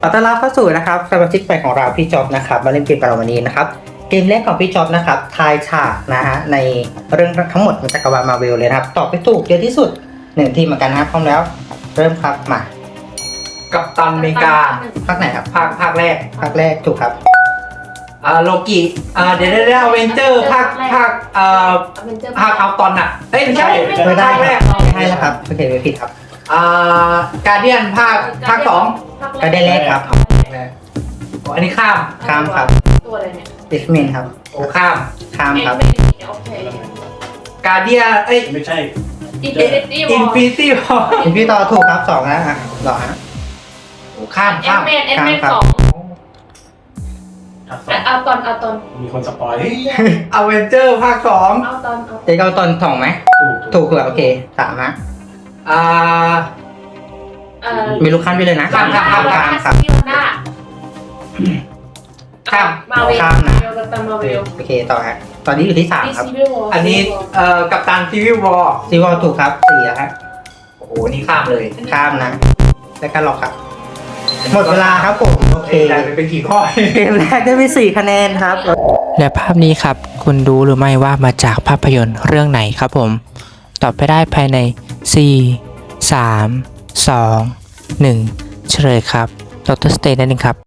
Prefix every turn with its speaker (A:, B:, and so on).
A: ขอต้อนรับเข้าสู่นะครับสมาชิกใหม่ของเราพี่จ๊อบนะครับมาเล่นเกมกับเราวันนี้นะครับเกมแรกของพี่จ๊อบนะครับทายฉากนะฮะในเรื่องทั้งหมดของจักรวาลมาเวลเลยนะครับตอบไปถูกเยอะที่สุด1ทีมเหมือนกันนะครับพร้อมแล้วเริ่มครับมา
B: กัปตันอเมริกา
A: ภาคไหนครับ
B: ภาคแรก
A: ภาคแรกถูกครับ
B: โลกิเดี๋ยวอเวนเจอร์ภาคเอาตอนน่ะเอ้ยไม่ใช่
A: ไม่ได้
B: ภาคแรก
A: ไม่ให้แล้วครับโอเคไม่ผิดครับ
B: การเดียนภาคสอง
A: ก็ได้แรกครับ
B: อันนี้ข้าม
A: ข้ามครับ
C: ตัวอะไรเนี่ย
A: X-Men ครับ
B: โอ้ข้าม
A: ข้ามครับ
C: โอเค
B: การเดียน
D: ไม่ใช่
C: อินฟินิตี้วอ
B: อิน
C: ล
B: ฟินิตี้วอล
A: คุณพี่ต่อถูกครับ2นะฮะหรอฮะ
B: ข้าม
C: แอนแมน
A: ครับ
C: สอง
D: ภาคสอง
C: เอาตอน
D: มีคนสปอย
B: อเวนเจอร์ภาคสอง
A: เจ๊เอาตอนถ่องไหมถูกเหรอโอเค3ฮะ มีลูกขั้นไปเลยนะ
B: ข้าม
A: ครับ
C: ฟิโอน่า
B: ข้าม
C: มาเวล
A: ข้ามนะ
C: กัปตันมาเวล
A: โอเคต่อฮะตอนนี้อยู่ที่3ครับ
B: อันนี้กัปตันซีวิลวอล
A: ซีวอลถูกครับ4แล้วฮะ
B: โอ้โหนี่ข้ามเลย
A: ข้ามนะแล้วก็หลอกครับ หมดเวลาครับผมโอเค
B: ได้เป็นกี่ข้อ
A: เกมแรกได้ไป4คะแนนครับ
E: และภาพนี้ครับคุณรู้หรือไม่ว่ามาจากภาพยนตร์เรื่องไหนครับผมตอบไปได้ภายใน 4 3 2 1 เฉลยครับดร.สเตนนั่นเองครับ